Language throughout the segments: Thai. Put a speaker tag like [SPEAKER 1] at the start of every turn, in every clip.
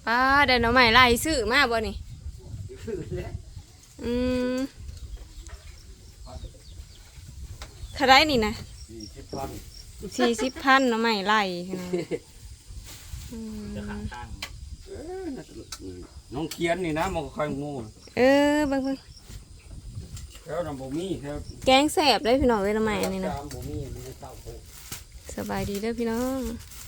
[SPEAKER 1] ป้าเดินเอาใหม่ไล่ซื้อมาบ่นี่อืมเท่าไรนี่นะ40,000เอาใหม่ไล่นะ
[SPEAKER 2] น้องเคียนนี่นะมันก็ค่อยงู
[SPEAKER 1] เบิ่ง
[SPEAKER 2] แล้วน้ำบ่มีครับ
[SPEAKER 1] แกงแสบได้พี่น้องเอ้ยเอาใหม่นี่นะ
[SPEAKER 2] บ่มีมันเต้าโผ
[SPEAKER 1] สบายดีเด้อพี่น้อง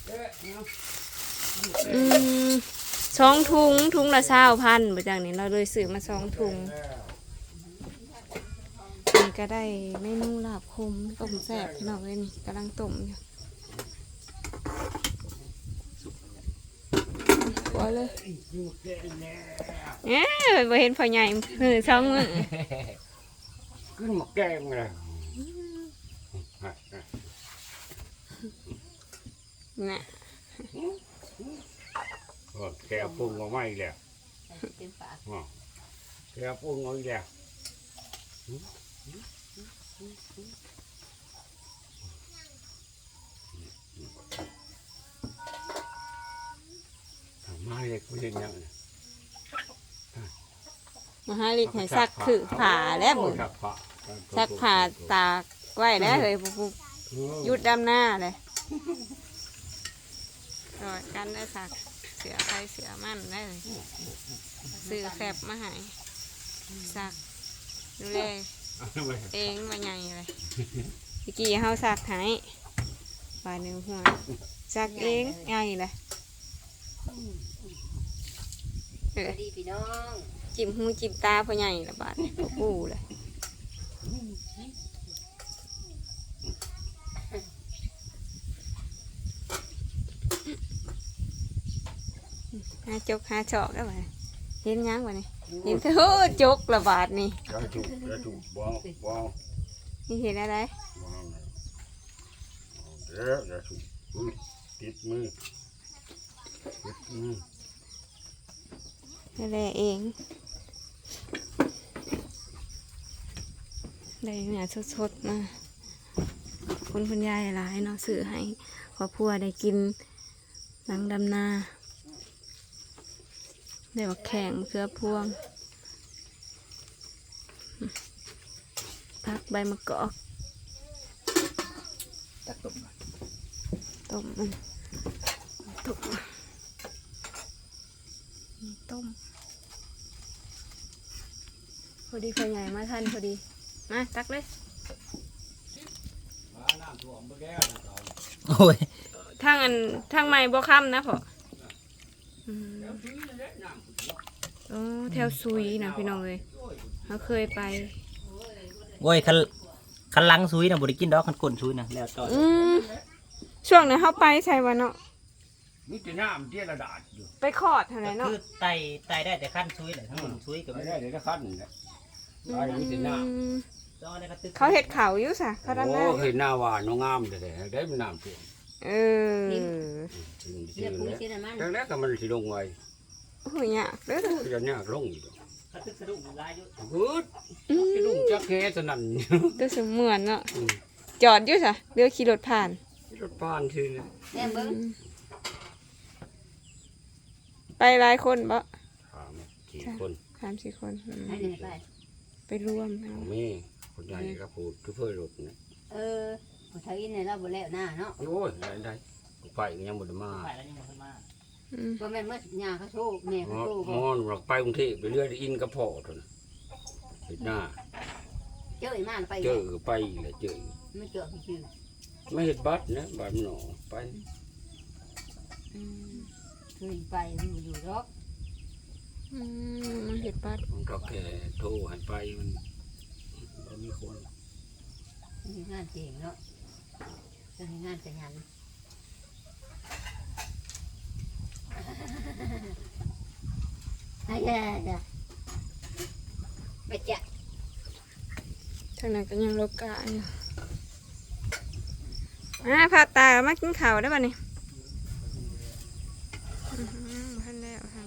[SPEAKER 1] 2 ถุงละ20,000บ่จังนี่เราเลยซื้อมา2 ถุงนี่ก็ได้เมนูลาบคมต้มแซ่บพี่น้องเอ้ยนี่กำลังต้มอยู่พอเลยบ่เห็นพ่อใหญ่มือ2 มื้อ
[SPEAKER 2] ขึ้นมาแกงเลย
[SPEAKER 1] น่ะ
[SPEAKER 2] แกปรุงมาไม่แล้วแกปรุงมาแล้วมาเล็กไม่เห็นยัง
[SPEAKER 1] มาหาลิกให้ซักคือผ่าแล้วมึงซักผ่าตากไว้แล้วเลยปุ๊บยุดดำหน้าเลยกอดกันได้ซักเสือใครเสือมั่นได้เลยซื้อแคบมาให้ซักดูแลเองว่าไงเลยเมื่อกี้เฮาซักให้บาดหนึ่งหัวซักเองไงเลย
[SPEAKER 3] ดีพี่น้อง
[SPEAKER 1] จิ้มหูจิ้มตาพ่อใหญ่ละบาดปูเลยหาจกหาเจาะแล้วไปเห็นยังวะนี่เห็นเธอจกละบาดนี่
[SPEAKER 2] ถูกบ้า
[SPEAKER 1] นี่เห็นอะไร
[SPEAKER 2] ถูกติดมือ
[SPEAKER 1] อะไรเองได้เนี่ยสดๆมาคุณยายหลายเนาะซื้อให้ครอบครัวได้กินหลังดำนาได้บักแข่งเครือพวงพักใบมะกอกต้มมันต้มพอดีพ่อใหญ่มาทันพอดีมาตักเลย
[SPEAKER 4] โอ้ย
[SPEAKER 1] ทางใหม่บ่ค่ำนะพ่อโอ้แถวซุยนะพี่น้องเลยเขาเคยไป
[SPEAKER 4] โอ้ยคันลังซุยนะบริกินดอกคันก้นซุยนะแล้วต่อ
[SPEAKER 1] ช่วงนั้นเขาไปใช่วันเนาะ
[SPEAKER 2] มีแต่น้ำเจี๊ยระดาษอยู่
[SPEAKER 1] ไปคอดอะไรเนาะ
[SPEAKER 4] คือไตได้แต่ขั้นซุยเลยทั้งหมดซุยกับ
[SPEAKER 2] ไม่ได้เดี๋ยวจะขั้นเลยมีแต่น้
[SPEAKER 1] ำเขาเห็ดเขาอยู่สะเขาด้านหน้า
[SPEAKER 2] เห็นหน้าหวานน้องงามเลยได้เป็นน้ำเปลี่ยนแต่แรกก็มันสิลงไว้
[SPEAKER 1] โอ้ยเนี่ยเด้อ
[SPEAKER 2] จะเนี่ยลงอยู่
[SPEAKER 4] เขาตึกสะดุ้งลายอยู่
[SPEAKER 2] สะดุ้งจักแค่สนั่น
[SPEAKER 1] ตัวเสมือนเนาะจอดอยู่สะเรือขี่รถผ่าน
[SPEAKER 2] รถผ่านทีนี้
[SPEAKER 1] ไปหลายคนบ่
[SPEAKER 2] 3-4 คน
[SPEAKER 1] 3-4 คนไปรวม
[SPEAKER 2] มีคนใหญ่ก็พูดคือเพื่อรถนะ
[SPEAKER 3] ไทยในเราบ่แล้วหน้าเนาะ
[SPEAKER 2] โอ้ยได้ไปยังบ่ได้มา
[SPEAKER 3] บ่แม่นเมื่อยาเขาโชคแม่เขาโชค
[SPEAKER 2] มอนเราไปกรุงเทพไปเรื่อยอินกระเพาะทุนเห็นหน้า
[SPEAKER 3] เจอมาไป
[SPEAKER 2] เจอไปเลยเจอ
[SPEAKER 3] ไม่เจอชื่อ
[SPEAKER 2] ไม่เห็นบัตรนะบัตรหนอไป
[SPEAKER 3] เคยไปมันอยู่รอก
[SPEAKER 1] มันเห็ดบัตร
[SPEAKER 2] มันก็แค่โทรให้ไปมันมีคน
[SPEAKER 3] มีงานเก่งเนาะจะมีงานแต่งงานไปจ้ะ
[SPEAKER 1] ทางนั้นก็ยังโลกาอยู่พาตามากินข้าวได้ป่ะนี่ท่านแล้วท่าน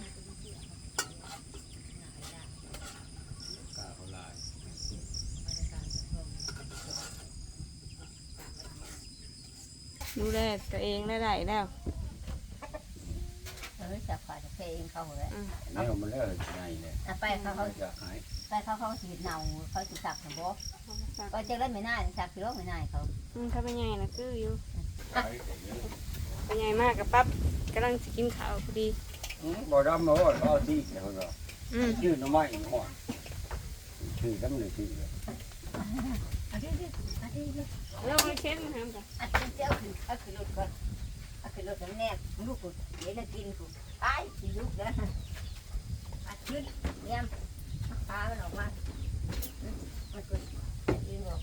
[SPEAKER 1] ดูแลตัวเองได้แล้ว
[SPEAKER 3] จับขาจะเพลงเขาเลย
[SPEAKER 2] แนวมันแล้วไงเนี่ย
[SPEAKER 3] ไปเขา
[SPEAKER 2] จะหาย
[SPEAKER 3] เขาสีเนาเขาสีสักนะบ่
[SPEAKER 1] สัก
[SPEAKER 3] ก็จะเล่นไม่น่าสักกิโลไม่น่าเขา
[SPEAKER 1] ถ้าเป็นใหญ่นะคืออยู่
[SPEAKER 2] หายอย่างนี้
[SPEAKER 1] เป็นใหญ่มากกับปั๊บกำลังจะกินข้าวพอดี
[SPEAKER 2] บ่ดำมาว่าเขาที่เดี๋ยวก็ ชื่อน้ำไม้หอดชื่อน้ำเลยชื่อเลย
[SPEAKER 3] อันนี้อันนี้
[SPEAKER 1] เราไม่เช่นนะครับจ้ะ
[SPEAKER 3] อันนี้เจ้าคือรถก่อนคือรถแน่ลูกกูเดี๋ยวกินกูตายสิลูกเด้ออัดขึ้นเนี่ยพามันออกมามันก็ยืนบอก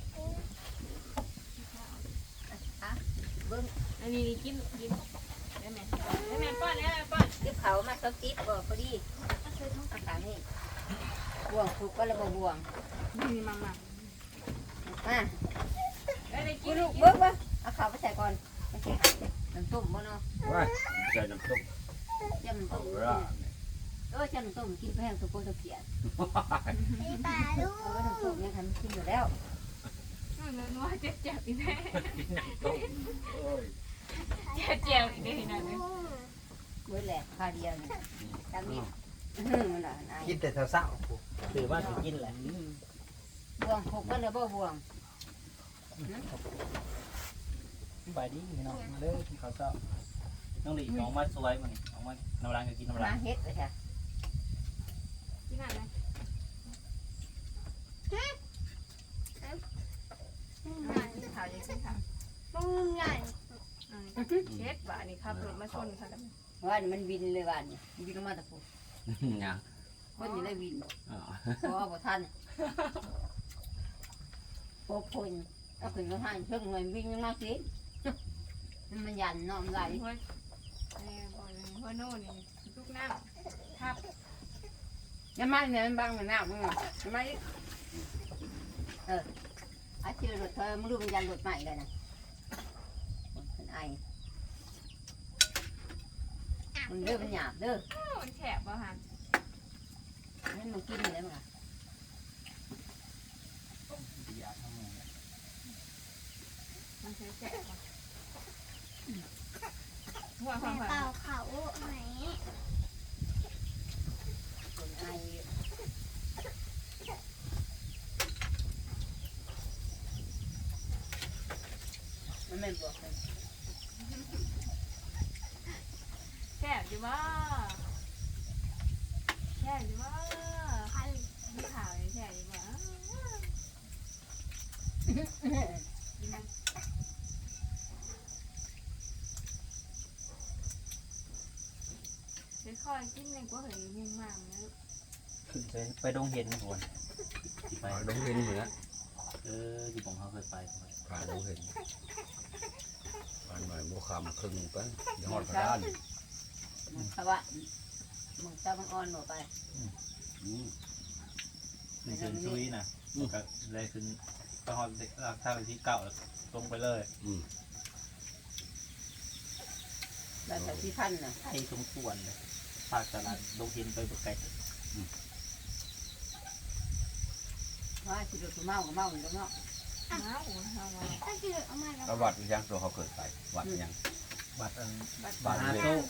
[SPEAKER 3] เบิ้ง
[SPEAKER 1] อันนี้กินได้ไหมได้ไหมป้อนได้ไหมป้อน
[SPEAKER 3] เก็บเขามาสักติ๊บก็พอดีอาการนี่บ่วงถูกก็เลยบ่วง
[SPEAKER 1] นี่มา
[SPEAKER 3] อ่ะ
[SPEAKER 1] ได้กิ
[SPEAKER 3] กู
[SPEAKER 1] น
[SPEAKER 3] ลูกเบิ้งวะเอาเขาไปใส่ก่อนไม่ใช่น้ำต้มบ่เนาะ
[SPEAKER 2] ว่าใส่น้ำต้ม
[SPEAKER 3] เจ้าน้ำต้ม
[SPEAKER 2] เอาละ
[SPEAKER 3] เจ้าน้ำต้มกินไปแห้งตัวโปรตเกียน
[SPEAKER 5] ปลาลูก
[SPEAKER 3] น้ำต้มยังทำกินอยู่แล้ว
[SPEAKER 1] นัวเจ็บอีกแน่
[SPEAKER 2] ต้มโอ้ย
[SPEAKER 1] เจ็บอีกได้ไหน
[SPEAKER 3] เว้ยแหละคาเดียวนี่ตามนี้มันละนาย
[SPEAKER 4] กินแต่เศร้าๆถือว่าสิกินแหละ
[SPEAKER 3] บ่วงหกก็เลยบ่บ่วง
[SPEAKER 4] ไปดิพี่น้องมาเด้อกินข้าวเช้าน้องหลีน้องมาสวยมันน้องมาน้ำรังก็กินน้ำรั
[SPEAKER 3] มาง เฮ็ดเลยค่ะ
[SPEAKER 1] กินอะไรข่าวยังขึ้นข่าว
[SPEAKER 5] มึงใหญ่
[SPEAKER 1] เช็ดบ่านี่ครับรถมาชนค่ะ
[SPEAKER 3] ว่านี่มันวินเลยว่านี่วินลงมาตะปู
[SPEAKER 2] ยัง
[SPEAKER 3] คนอยู่ในวิน
[SPEAKER 2] อ๋อ
[SPEAKER 3] เพราะว่าบ่ทันโอ้พนเอาขึ้นมาหันเชิงหน่อยวิ่งมากสิมันยันเนาะมันไหล
[SPEAKER 1] หัวหัวโน่นี่ทุกน้ำทับ
[SPEAKER 3] ยังมาเนี่ยมันบังมันหน้ามึงยังมาอาชีพรถเธอมึงดูมันยันรถใหม่เลยนะเป็นไอมันเด้อมันหยาบเด้อ
[SPEAKER 1] มันแฉบบ่ฮะ
[SPEAKER 3] นี่มันกินอยู่แล้วมั้ง
[SPEAKER 1] มันแฉบบ่หัว
[SPEAKER 5] แต่
[SPEAKER 1] หัว
[SPEAKER 5] เปล่าเขาไหน
[SPEAKER 3] เป็นไอมันไม่บอกเลย
[SPEAKER 1] แฉบอยู่บ่แฉบอยู่บ่
[SPEAKER 5] พัน
[SPEAKER 1] มีข่าวแฉบอยู่บ่ค่อยกินเลยก็เห็นยุ่งมากนะ
[SPEAKER 4] ขึ้นไปดงเห็นก่อนไป
[SPEAKER 2] ดงเห็นเหมือน
[SPEAKER 4] ที่ผมเขาเคยไป
[SPEAKER 2] ผ่านดงเห็นผ่านหน่อยโมคำครึ่งไปยอดกระดาน
[SPEAKER 3] เพราะว่ามึงจะบังอ่อนหมดไป
[SPEAKER 4] ขึ้นเชิญซุยนะก็เลยขึ้นไปหอดท่าไปที่เก่าตรงไปเลย
[SPEAKER 3] แล้วแต่ที่พันน่ะ
[SPEAKER 4] ให้สมควรเลยภาคตลาดดงเห็นไปบุกไก่
[SPEAKER 3] ว่าสิเดือดเมาก็เมาอยู่แล้วเนาะ
[SPEAKER 1] อ้าวเอามา
[SPEAKER 5] ก็คือเอามาแล้ว
[SPEAKER 2] แล้ววัดยังตัวเขาเกิดไปวัดยัง
[SPEAKER 4] บัตร
[SPEAKER 2] บาท
[SPEAKER 4] ฮา
[SPEAKER 2] เลย
[SPEAKER 4] โซ่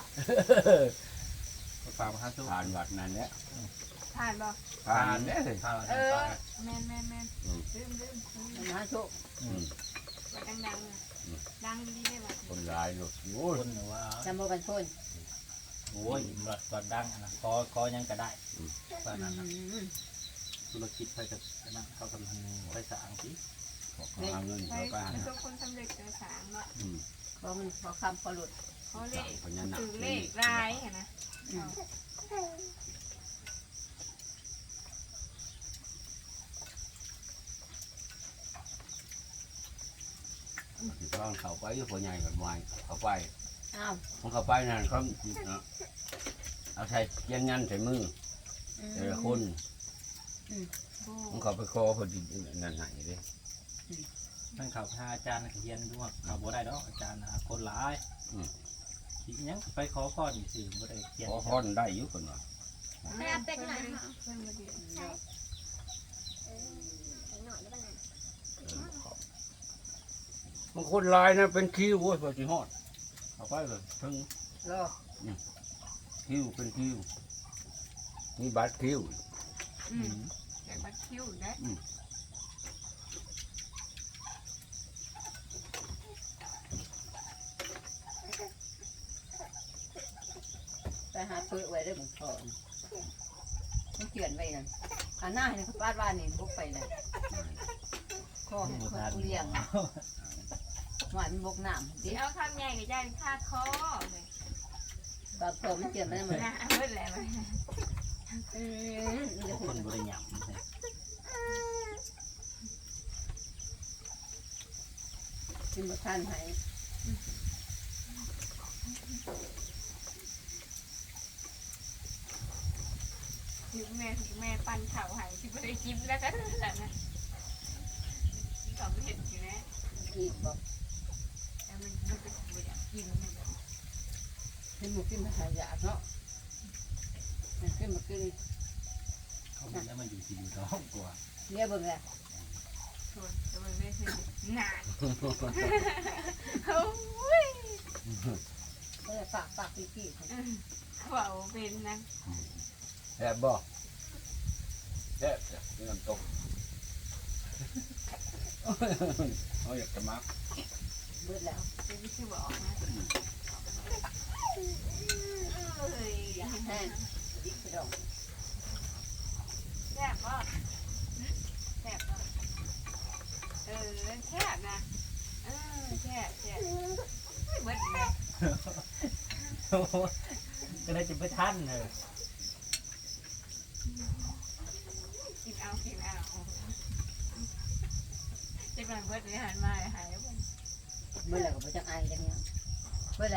[SPEAKER 4] ฝากฮาโซ่
[SPEAKER 2] ผ่านวัดนั้นเนี่ย
[SPEAKER 1] ผ่านบ่
[SPEAKER 2] ผ่านเนี่ย
[SPEAKER 4] ผ่าน
[SPEAKER 1] แม่นลืม
[SPEAKER 3] มันหาโชค
[SPEAKER 1] ว่าดังดังดีได้บ่
[SPEAKER 2] คนร้ายหลุดโอ้ย
[SPEAKER 4] คนหรือว่า
[SPEAKER 3] จำโมกันชน
[SPEAKER 4] โอ้ยบัตรดังนะคอยังก็ได้ว่านั้นธุรกิจไปกับนั่นเขากำลังไปสางสิ
[SPEAKER 2] หาเงิน
[SPEAKER 1] ใช่
[SPEAKER 2] เขาไปหา
[SPEAKER 1] ทุกคนสำเร็จเจอสางเนาะ
[SPEAKER 3] เพราะมันพอคำพอหลุด
[SPEAKER 1] เขาเลข
[SPEAKER 2] พญานาค
[SPEAKER 1] ถือเลขลายนะ
[SPEAKER 2] ตอนเขาไปอยู่คนใหญ่กับวายเขาไป
[SPEAKER 3] อ้าว
[SPEAKER 2] ของเขาไปนั่นเขาเอาใส่เกียนยันใส่มือแต่ละคนของเขาไปคอพอดีนั่นไหนเลย
[SPEAKER 4] นั่นข่าวพาอาจารย์เฮียนด้วยข่าวบ่ได้ดอกอาจารย์คนร้ายทีนี้ไปขอข้อดีสิบ่ได้เขียน
[SPEAKER 2] ขอพรได้อยู่คนว่า
[SPEAKER 5] ไม่เอาเป็ดหน่อยค่ะ
[SPEAKER 1] เพิ่นบ่ดี
[SPEAKER 5] ใช่หน่อยได้ป่ะนั่น
[SPEAKER 2] บางคนลายนะเป็นคิวโว้ยพอจีฮอดเขาไปเลยถึง
[SPEAKER 3] รอ
[SPEAKER 2] คิวเป็นคิวมีบัตรคิว
[SPEAKER 1] แต่บัดคิ้วได้
[SPEAKER 3] ไปหาเพื่อไว้ได้บุกพอมันเขียนไว้นั่นอันหน้าให้เขาปาดว่านี่บุกไปเลยข้อให้เขาเลี้ยงหวานบกน้ำ
[SPEAKER 1] สิ
[SPEAKER 3] ดิ
[SPEAKER 1] เอาคำใหญ่กับย่านคาคอเลย
[SPEAKER 3] บางตัวมันเขียนไม่ได้เหมือน
[SPEAKER 1] นะเบิดแล้วมัน
[SPEAKER 4] ทุกคนบริหารใช่
[SPEAKER 3] กินมาทานให้
[SPEAKER 1] ถึงแม่ปั่นเข่าใหายที่ไม่ได้กินแล้วก็นั่นแหละนะก็ไม่เห็นอยู่นะ
[SPEAKER 3] อีกบอก
[SPEAKER 1] แต่มันเป็นไม่อยากกินมันแบบ
[SPEAKER 3] ให้หมูกินมาหายากเนาะมันกินมากิน
[SPEAKER 4] เขาไม่ได้มาอยู่ที่อยู่ท้องกว่า
[SPEAKER 3] เนี่ยเบิ่งเลย
[SPEAKER 1] ชวนแต่มันไม่คือหนาโอ้ย
[SPEAKER 3] เขาจะฝากพี่
[SPEAKER 1] เขาบอกเป็นนะ
[SPEAKER 2] แซ่บบ่แซ่บนี่น้ำตกเขาอยากจะมัก
[SPEAKER 3] เบิดแล้ว
[SPEAKER 1] เป็นที่คือบอกนะเอ้ย
[SPEAKER 3] แห้งดิบไปดอง
[SPEAKER 1] แซ่บป่ะแซ่บป่ะแซ่บนะแซ่บเบิดเลย
[SPEAKER 4] ก็ได้จะไปท่านเลย
[SPEAKER 1] กินเอาจะกำลังเบิดเลยหันมาหายแล้ว
[SPEAKER 3] เบิดแล้วก็ไปจังไอจังเนี้ยเบิดเลย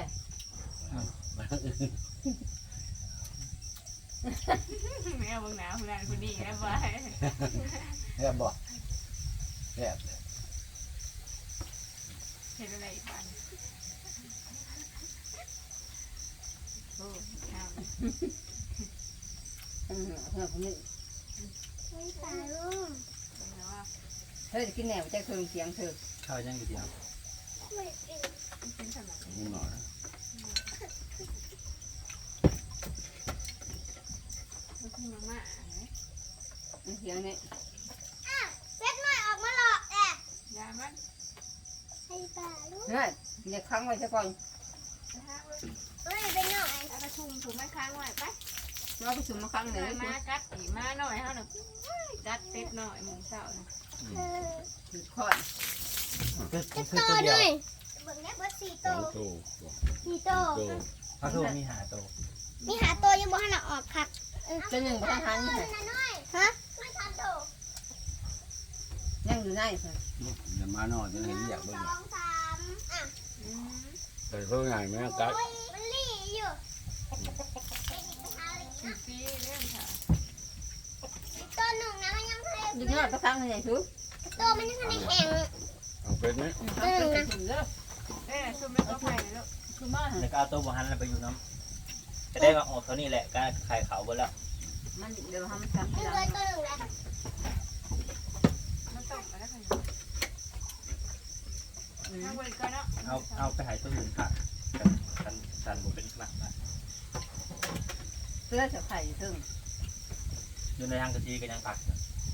[SPEAKER 1] ไม่เอาเบิ่งหนาวคนนั้นคนนี้แล้วไป
[SPEAKER 2] แซ่บบ่แซ่บ
[SPEAKER 1] เห็นอะไรอีกบ้างโอ้ข้าว
[SPEAKER 3] เพื่อนคนนี้
[SPEAKER 5] ไม่ตายลูก
[SPEAKER 1] เป็นแล้วว่า
[SPEAKER 3] เธอจะกินแหนวใจเคืองเสียงเธอ
[SPEAKER 4] ข้าวยังกี่เดียว
[SPEAKER 5] ไม่กิน
[SPEAKER 1] เป็นสมัย
[SPEAKER 2] นิดหน่อย
[SPEAKER 1] มันคือมาม่า
[SPEAKER 3] เสียงนี้
[SPEAKER 5] เซ็ตหน่อยออกมาหลอกแอะ
[SPEAKER 1] ยามัน
[SPEAKER 5] ให้ตายลูก
[SPEAKER 3] เนี่ยเรียกครั้งไว้ซะก่อน
[SPEAKER 5] เฮ้ยเป็นหน่อย
[SPEAKER 1] แล้วก็ชุ่มถูกมันค้างไว้ไป
[SPEAKER 3] เราไปสุ่มมาครั้งหนึ่ง
[SPEAKER 1] มากัดอีมาหน่อยเท่านั้นกัดเป็ดหน่อยมึงเศร้านะ
[SPEAKER 3] คือข้อน
[SPEAKER 4] คือตัวเดียว
[SPEAKER 5] เบิ่งแม่เบิร์ดสี่
[SPEAKER 2] ส
[SPEAKER 5] โต
[SPEAKER 2] องโต
[SPEAKER 5] สี่โต
[SPEAKER 2] โต
[SPEAKER 4] พระทูมีหาโต
[SPEAKER 5] มีหาตัวยังบ่ให้เราออกค่ะ
[SPEAKER 3] ตัวหนึ่งประธานนี่
[SPEAKER 5] ฮะไม่ทันโต
[SPEAKER 3] ยังอยู่ในเ
[SPEAKER 2] อย่ามาหน่อยจะเห็นอยาก
[SPEAKER 5] ส
[SPEAKER 2] เบิ่ง
[SPEAKER 5] องสามอ่ะ
[SPEAKER 2] แต่เขาใหญ่ไหมกัด
[SPEAKER 5] มันลี่อยู่
[SPEAKER 1] ปีเรื่องค่ะ
[SPEAKER 5] ตัวหนึ่งนะมันยังให้
[SPEAKER 3] ด็กน้อยประทังไหนทุก
[SPEAKER 5] ตัวมันยังให้แข็ง
[SPEAKER 2] เอาเป็นไหม
[SPEAKER 3] เอาไปสุ่มเด้อ
[SPEAKER 1] ชุ่มไม่ต้องไปแล้ว
[SPEAKER 3] สุ่มมา
[SPEAKER 4] แล้วก็เอาตัวบหันไปอยู่น้ำจะได้มาออกเท่านี้แหละก็ไข่เขาไปแล้ว
[SPEAKER 3] มันเดี๋ยวทำทำ
[SPEAKER 5] มัน
[SPEAKER 3] ทีห
[SPEAKER 5] เล
[SPEAKER 3] ลั
[SPEAKER 5] ย
[SPEAKER 3] ง
[SPEAKER 5] ตัวหนึ่งแล้ว
[SPEAKER 1] มันต้องมาแล้วค่ะทางบริการเนาะ
[SPEAKER 4] เอาไปหายตัวอื่นผักสันบุเป็นขนาดนะ
[SPEAKER 3] เสื้อเสือไข่ซึ่ง
[SPEAKER 4] อยู่ในทางกะทิก็ยังผัก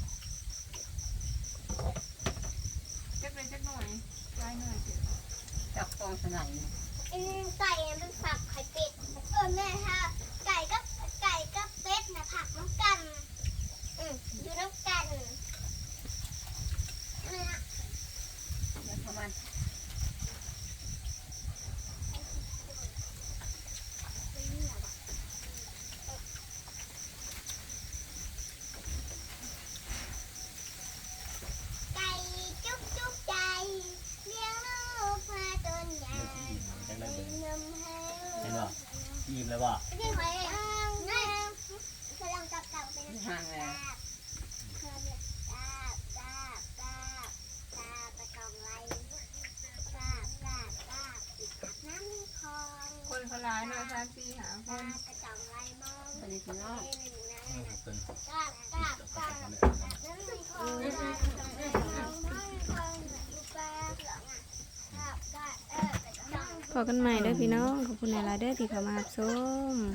[SPEAKER 1] จักเลยจักหน่อยลายหน่อย
[SPEAKER 3] จับกองสนั่น
[SPEAKER 5] ไก่เป็นผักไข่เป็ดแม่ค่ะไก่กับเป็ดนะผักน้ำกันอยู่น้ำกันนี่นะ
[SPEAKER 3] ประมาณ
[SPEAKER 5] ไก่จุ๊บจุ๊บใจเลี้ยงลูกมาจนใหญ่
[SPEAKER 4] ยังได้
[SPEAKER 5] เป็น
[SPEAKER 4] เบิ่ง
[SPEAKER 5] นมให้
[SPEAKER 4] เห็นป่ะอิ่มเลยว่ะ
[SPEAKER 5] ไม่ได้หอยอ่างนี่กำลังจับเต่าเป็น
[SPEAKER 3] ห่างเลย
[SPEAKER 1] คนเขาร้ายหน่อย3 4 5คน
[SPEAKER 3] อันนี้คือน้อง
[SPEAKER 4] เป็น
[SPEAKER 1] พอกันใหม่เด้อพี่น้องขอบคุณหลายๆเด้อที่เข้ามารับชม